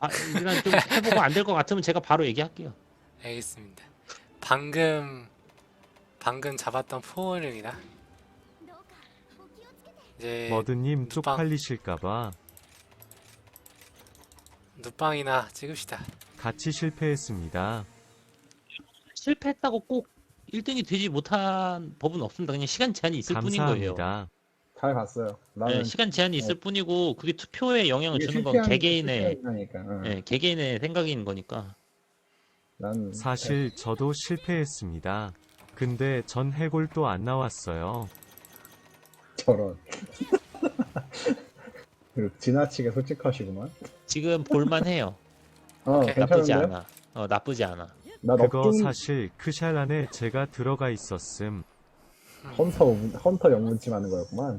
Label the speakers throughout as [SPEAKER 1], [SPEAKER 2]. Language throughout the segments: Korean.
[SPEAKER 1] 일단 좀 해보고 안 될 것 같으면 제가 바로 얘기할게요.
[SPEAKER 2] 알겠습니다. 방금 잡았던 포옹입니다. 이제
[SPEAKER 3] 머드님
[SPEAKER 2] 눕방
[SPEAKER 3] 쪽팔리실까봐
[SPEAKER 2] 눕방이나 찍읍시다.
[SPEAKER 3] 같이 실패했습니다.
[SPEAKER 1] 실패했다고 꼭 1등이 되지 못한 법은 없습니다. 그냥 시간 제한이 있을 뿐인 거예요.
[SPEAKER 3] 감사합니다.
[SPEAKER 4] 잘 봤어요.
[SPEAKER 1] 네,
[SPEAKER 4] 나는
[SPEAKER 1] 시간 제한이 있을 뿐이고 그게 투표에 영향을
[SPEAKER 4] 이게
[SPEAKER 1] 주는 건 개개인의
[SPEAKER 4] 실패하니까. 응.
[SPEAKER 1] 네, 개개인의 생각인 거니까.
[SPEAKER 4] 난
[SPEAKER 3] 사실 저도 실패했습니다. 근데 전 해골도 안 나왔어요.
[SPEAKER 4] 저런. 그리고 지나치게 솔직하시구만.
[SPEAKER 1] 지금 볼만해요.
[SPEAKER 2] 오케이,
[SPEAKER 1] 나쁘지
[SPEAKER 4] 괜찮은데?
[SPEAKER 1] 않아. 나쁘지 않아.
[SPEAKER 4] 나
[SPEAKER 3] 그거
[SPEAKER 4] 넉중
[SPEAKER 3] 사실 크샬 안에 제가 들어가 있었음.
[SPEAKER 4] 헌터 영문침 하는 거였구만.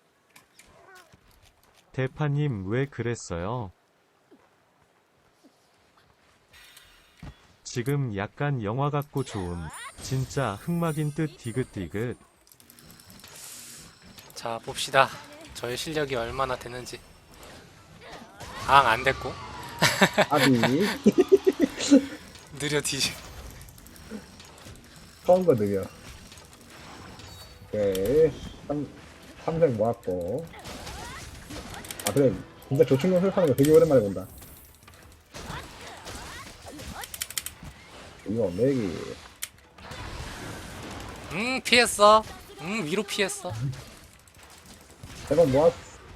[SPEAKER 3] 대파님 왜 그랬어요? 지금 약간 영화 같고 좋은 진짜 흑막인 듯 디귿디귿.
[SPEAKER 2] 자, 봅시다. 저의 실력이 얼마나 되는지. 안 됐고.
[SPEAKER 4] 아비
[SPEAKER 2] 느려 뒤지.
[SPEAKER 4] 처음 거 느려. 오케이. 3색 모았고. 아 그래. 진짜 조충곤 설파는 거 되게 오랜만에 본다. 이거 맥이
[SPEAKER 2] 피했어. 위로 피했어.
[SPEAKER 4] 대박 모았.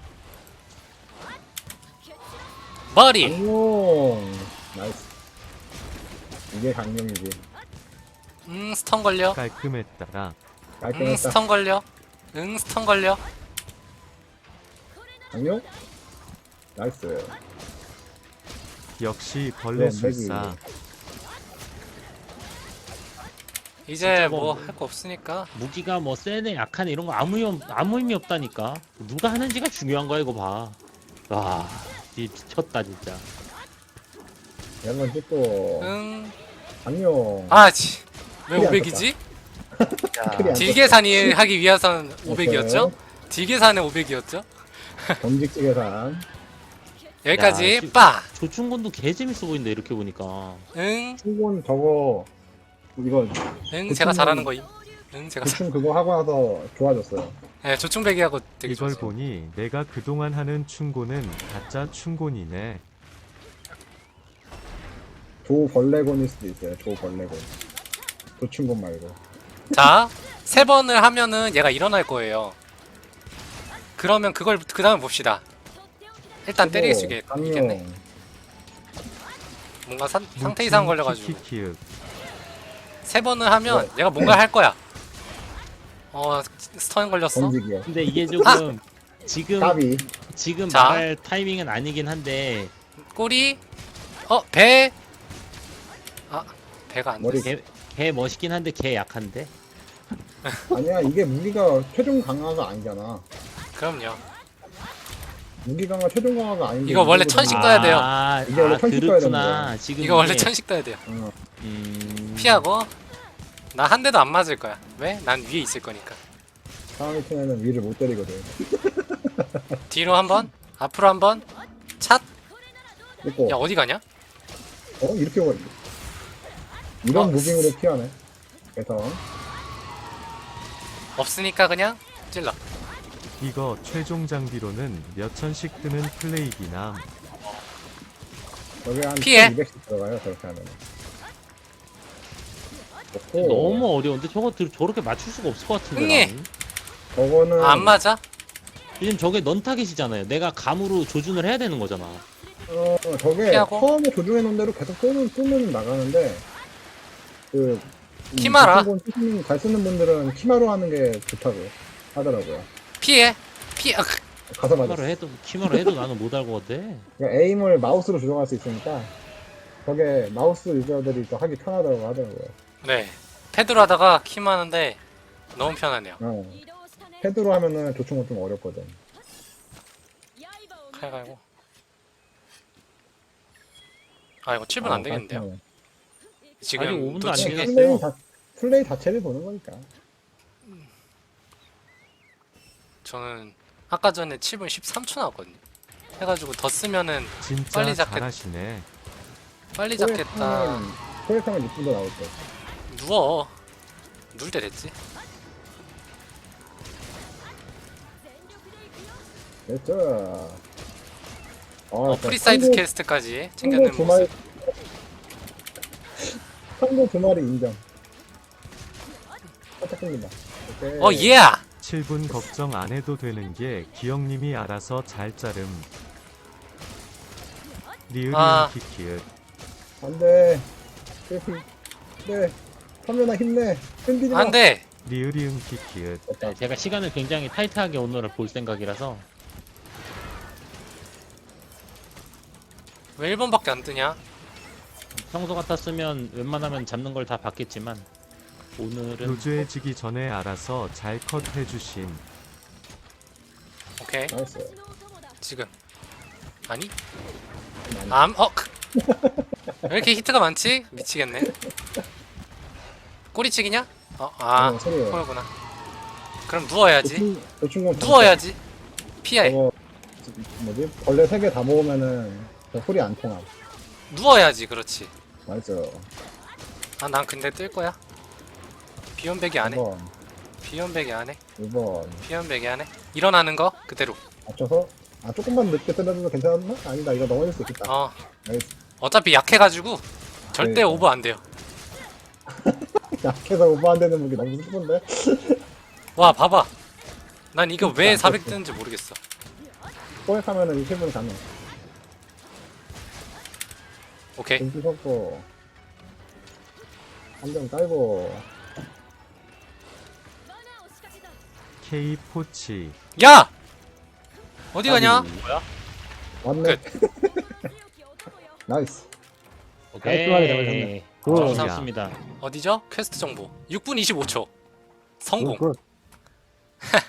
[SPEAKER 2] 머리.
[SPEAKER 4] 강용. 나이스. 이게 강용이지.
[SPEAKER 2] 스턴 걸려.
[SPEAKER 3] 깔끔했다라.
[SPEAKER 4] 깔끔했다.
[SPEAKER 2] 스턴 걸려. 스턴 걸려.
[SPEAKER 4] 강용? 나이스.
[SPEAKER 3] 역시 벌레
[SPEAKER 4] 그럼 맥이
[SPEAKER 3] 술사.
[SPEAKER 2] 이제
[SPEAKER 1] 뭐-
[SPEAKER 2] 뭐 할 거 없으니까.
[SPEAKER 1] 무기가 뭐 세네 약하네 이런 거 아무 의미 없다니까. 누가 하는지가 중요한 거야 이거 봐. 와, 미쳤다 진짜.
[SPEAKER 4] 이런 건 찍고 강용.
[SPEAKER 2] 아치. 왜
[SPEAKER 4] 크리 안
[SPEAKER 2] 500이지?
[SPEAKER 4] 크리 안
[SPEAKER 2] 딜 계산이 하기 위해선 500이었죠? 딜 계산에 500이었죠?
[SPEAKER 4] 정직 계산.
[SPEAKER 2] 여기까지
[SPEAKER 1] 야, 지-
[SPEAKER 2] 빠.
[SPEAKER 1] 조충곤도 개 재밌어 보인다 이렇게 보니까.
[SPEAKER 4] 충곤 저거 이거
[SPEAKER 2] 제가 잘하는 거임. 제가
[SPEAKER 4] 대충 그거 하고 나서 좋아졌어요.
[SPEAKER 2] 네, 조충배기하고 되게
[SPEAKER 3] 이걸
[SPEAKER 2] 좋았어요.
[SPEAKER 3] 보니 내가 그동안 하는 충고는 가짜 충곤이네.
[SPEAKER 4] 조벌레곤일 수도 있어요. 조벌레곤. 조충곤 말고.
[SPEAKER 2] 자, 3번을 하면은 얘가 일어날 거예요. 그러면 그걸 그 다음에 봅시다. 일단 때리게 주겠 있겠네.
[SPEAKER 4] 강용.
[SPEAKER 2] 뭔가 상태 이상 걸려가지고
[SPEAKER 3] 키키키윽.
[SPEAKER 2] 3번을 하면 얘가 뭔가 할 거야. 스턴 걸렸어.
[SPEAKER 4] 정직이요.
[SPEAKER 1] 근데 이게 조금
[SPEAKER 4] 까비.
[SPEAKER 1] 지금
[SPEAKER 2] 자.
[SPEAKER 1] 말할 타이밍은 아니긴 한데
[SPEAKER 2] 꼬리. 배. 배가 안
[SPEAKER 4] 머리.
[SPEAKER 2] 돼.
[SPEAKER 1] 개 멋있긴 한데 개 약한데.
[SPEAKER 4] 아니야 이게 무기가 최종 강화가 아니잖아.
[SPEAKER 2] 그럼요.
[SPEAKER 4] 무기 강화 최종 강화가 아닌데.
[SPEAKER 2] 이거 원래
[SPEAKER 4] 이거보다-
[SPEAKER 2] 천식 떠야 돼요.
[SPEAKER 4] 이게 원래 천식 떠야
[SPEAKER 1] 그렇구나. 지금
[SPEAKER 2] 이거 원래
[SPEAKER 1] 이게,
[SPEAKER 2] 천식 떠야 돼요.
[SPEAKER 4] 어,
[SPEAKER 2] 피하고. 나 한 대도 안 맞을 거야. 왜? 난 위에 있을 거니까.
[SPEAKER 4] 상황이 팀에는 위를 못 때리거든.
[SPEAKER 2] 뒤로 한 번, 앞으로 한 번. 찻.
[SPEAKER 4] 있고.
[SPEAKER 2] 야, 어디 가냐?
[SPEAKER 4] 이렇게 오고 이런
[SPEAKER 2] 어,
[SPEAKER 4] 무빙으로 피하네. 그래서
[SPEAKER 2] 없으니까 그냥 찔러.
[SPEAKER 3] 이거 최종 장비로는 몇 천씩 뜨는 플레이기남.
[SPEAKER 4] 여기 한
[SPEAKER 2] 피해.
[SPEAKER 4] 200씩 들어가요. 저렇게 하면.
[SPEAKER 1] 너무 어려운데 저렇게 맞출 수가 없을 것 같은데.
[SPEAKER 2] 흥해.
[SPEAKER 1] 나는.
[SPEAKER 4] 저거는
[SPEAKER 2] 안 맞아?
[SPEAKER 1] 왜냐면 저게 넌 타겟이잖아요. 내가 감으로 조준을 해야 되는 거잖아.
[SPEAKER 4] 저게
[SPEAKER 2] 피하고.
[SPEAKER 4] 처음에 조종해 놓은 대로 계속 쏘면 나가는데
[SPEAKER 2] 키마라.
[SPEAKER 4] 잘 쓰는 분들은 키마로 하는 게 좋다고 하더라고요.
[SPEAKER 2] 피해.
[SPEAKER 4] 가서 맞아.
[SPEAKER 1] 키마로 해도 나는 못 알 것 같아.
[SPEAKER 4] 그러니까 에임을 마우스로 조정할 수 있으니까 저게 마우스 유저들이 더 하기 편하다고 하더라고요.
[SPEAKER 2] 네. 패드로 하다가 킴 하는데 너무 편하네요.
[SPEAKER 4] 패드로 하면은 조충은 좀 어렵거든.
[SPEAKER 2] 칼 갈고. 이거 7분 안 되겠는데요?
[SPEAKER 1] 아직
[SPEAKER 2] 지금
[SPEAKER 1] 5분도 안
[SPEAKER 2] 놓친 게
[SPEAKER 1] 되겠어요.
[SPEAKER 4] 플레이 자체를 보는 거니까.
[SPEAKER 2] 저는 아까 전에 7분 13초 나왔거든요. 해가지고 더 쓰면은
[SPEAKER 3] 진짜
[SPEAKER 2] 빨리 잡겠-
[SPEAKER 3] 잘하시네.
[SPEAKER 2] 빨리 잡겠다.
[SPEAKER 4] 포획하면 6분도 나올 거.
[SPEAKER 2] 누워. 누울 때 됐지.
[SPEAKER 4] 됐죠.
[SPEAKER 2] 프리사이드 캐스트까지 챙겨낸
[SPEAKER 4] 두
[SPEAKER 2] 모습.
[SPEAKER 4] 마리. 상대 2마리 인정. 살짝 끊긴다. 오케이.
[SPEAKER 2] 예!
[SPEAKER 3] 7분 걱정 안 해도 되는 게 기영님이 알아서 잘 자름. 리을이응
[SPEAKER 2] 아.
[SPEAKER 3] 키키읓.
[SPEAKER 4] 안 돼. 네. 화면아 힘내. 흔들지 마.
[SPEAKER 2] 안 돼!
[SPEAKER 3] 리을이응 키키읓.
[SPEAKER 4] 됐다.
[SPEAKER 1] 네, 제가 시간을 굉장히 타이트하게 오늘을 볼 생각이라서
[SPEAKER 2] 왜 1번밖에 안 뜨냐?
[SPEAKER 1] 평소 같았으면 웬만하면 잡는 걸 다 봤겠지만 오늘은
[SPEAKER 3] 루즈해지기 전에 알아서 잘 컷 해주심.
[SPEAKER 2] 오케이.
[SPEAKER 4] 나이스.
[SPEAKER 2] 지금. 아니?
[SPEAKER 4] 많이.
[SPEAKER 2] 왜 이렇게 히트가 많지? 미치겠네. 꼬리치기냐?
[SPEAKER 4] 소리요.
[SPEAKER 2] 그거구나. 그럼 누워야지.
[SPEAKER 4] 도충공
[SPEAKER 2] 누워야지. 피해.
[SPEAKER 4] 저거 뭐지? 벌레 3개 다 모으면은 저 소리 안 통함.
[SPEAKER 2] 누워야지, 그렇지.
[SPEAKER 4] 맞죠.
[SPEAKER 2] 난 근데 뜰 거야. 비연백이 안 해.
[SPEAKER 4] 1번,
[SPEAKER 2] 비연백이 안 해.
[SPEAKER 4] 2번.
[SPEAKER 2] 비연백이 안 해. 일어나는 거 그대로.
[SPEAKER 4] 맞춰서 조금만 늦게 뜨려도 괜찮나? 아니다, 이거 넘어질 수 있겠다.
[SPEAKER 2] 어.
[SPEAKER 4] 나이스.
[SPEAKER 2] 어차피 약해가지고 절대
[SPEAKER 4] 네.
[SPEAKER 2] 오버 안 돼요.
[SPEAKER 4] 약해서 오버 안 되는 무기 너무 슬픈데?
[SPEAKER 2] 와, 봐봐. 난 이거 왜 400 뜨는지 모르겠어.
[SPEAKER 4] 포획하면은 이 팀은 가능.
[SPEAKER 2] 오케이.
[SPEAKER 4] 등기 섞고, 한점 깔고,
[SPEAKER 3] K 포치.
[SPEAKER 2] 야! 어디 가냐?
[SPEAKER 1] 뭐야?
[SPEAKER 4] 왔네. 나이스. 깔끔하게
[SPEAKER 1] 오케이.
[SPEAKER 4] 잡으셨네.
[SPEAKER 1] 감사합니다.
[SPEAKER 2] 어디죠? 퀘스트 정보. 6분 25초. 성공.
[SPEAKER 4] 굿.